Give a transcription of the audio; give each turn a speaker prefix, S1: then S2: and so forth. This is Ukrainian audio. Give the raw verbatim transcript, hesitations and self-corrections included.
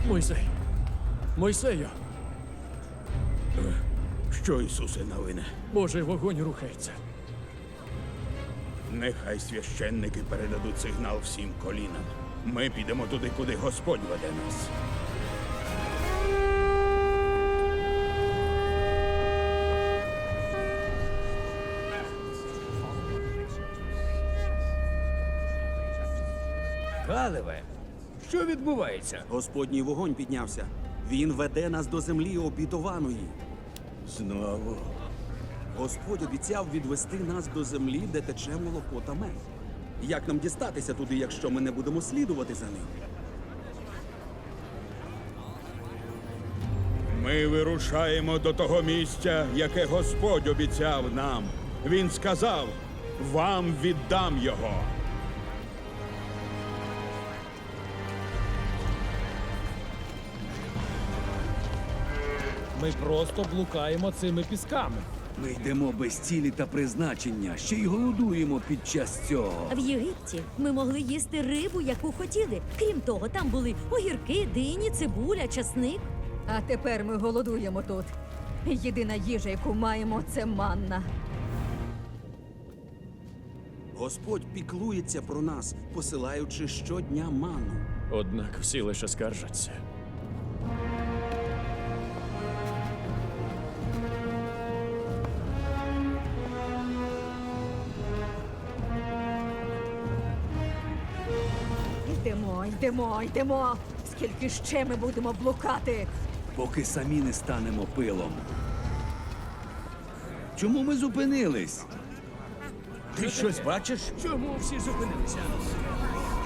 S1: Мойсей. Мойсею.
S2: Що, Ісусе, новине?
S1: Божий вогонь рухається.
S2: Нехай священники передадуть сигнал всім колінам. Ми підемо туди, куди Господь веде нас.
S3: Галеве, що відбувається?
S4: Господній вогонь піднявся. Він веде нас до землі обітованої.
S2: Знову.
S4: Господь обіцяв відвести нас до землі, де тече молоко та мед. Як нам дістатися туди, якщо ми не будемо слідувати за ним?
S2: Ми вирушаємо до того місця, яке Господь обіцяв нам. Він сказав, вам віддам його.
S1: Ми просто блукаємо цими пісками.
S3: Ми йдемо без цілі та призначення, ще й голодуємо під час цього.
S5: В Єгипті ми могли їсти рибу, яку хотіли. Крім того, там були огірки, дині, цибуля, часник.
S6: А тепер ми голодуємо тут. Єдина їжа, яку маємо, це манна.
S4: Господь піклується про нас, посилаючи щодня манну.
S1: Однак всі лише скаржаться.
S6: Йдемо, йдемо, йдемо. Скільки ще ми будемо блукати?
S3: Поки самі не станемо пилом. Чому ми зупинились?
S1: Ти щось бачиш? Чому всі зупинилися?